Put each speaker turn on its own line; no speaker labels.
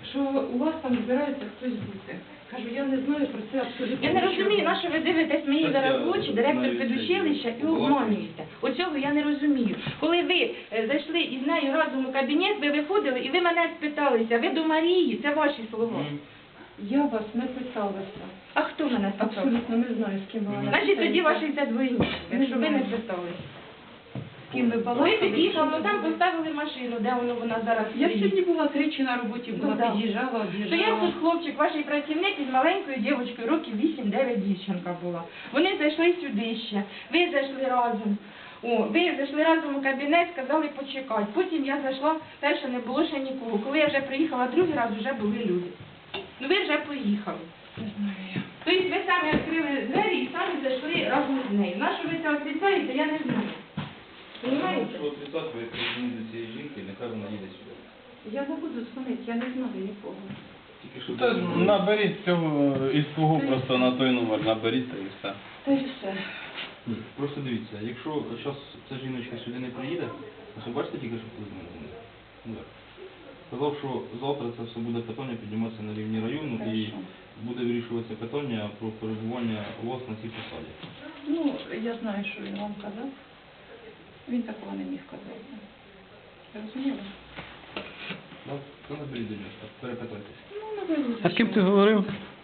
що у вас там збирається хтось бути. Кажу, я не знаю про це абсолютно.
Я не
нічого.
розумію, на що ви дивитесь мені
Щас
зараз
я
в очі, директор
навіть
педучилища, і
це
обманюєте. Оцього я не розумію. Коли ви зайшли із нею разом у кабінет, ви виходили і ви мене спиталися, ви до Марії, це ваші слова.
Я вас не питалася.
А хто мене спитав?
Абсолютно не знаю, з ким ви мене
Значить, тоді
питаєте.
ваші це двойні, якщо ви не питалися.
З ким ви
Ви
балакали?
під'їхали, там поставили машину, де вона зараз
Я
стоїть.
сьогодні була тричі на роботі, була,
Ну, да.
під'їжджала,
Стояв
об'їжджала.
тут хлопчик, ваш працівник із маленькою дівчинкою, років 8-9 дівчинка була. Вони зайшли сюди ще, ви зайшли разом. Ви зайшли разом у кабінет, сказали почекати. Потім я зайшла, перше не було ще нікого. Коли я вже приїхала другий раз, вже були люди. Ну ви вже поїхали.
Не знаю я.
Тобто ви самі відкрили двері і самі зайшли разом з нею. На що ви це отрицаєте, я не знаю. Понимаєте?
Що отрицати, ви прийшли до цієї жінки, нехай вона їде сюди.
Я не буду дзвонити, я не знаю нікого.
Тільки що
Та наберіть цього із свого просто на той номер, наберіть та і все.
Та й все.
Ні, просто дивіться, якщо зараз ця жіночка сюди не приїде, ось ви бачите тільки, що хтось з мене дзвонив? Ну, так. Сказав, що завтра це все буде питання підніматися на рівні району і
Хорошо.
буде вирішуватися питання про перебування вас на цій посаді.
Ну, я знаю, що він вам казав. Він такого не міг казати. Розуміли?
Так? То наберіть до нього, перепитайтеся.
Ну, наберу.
А з ким ти говорив?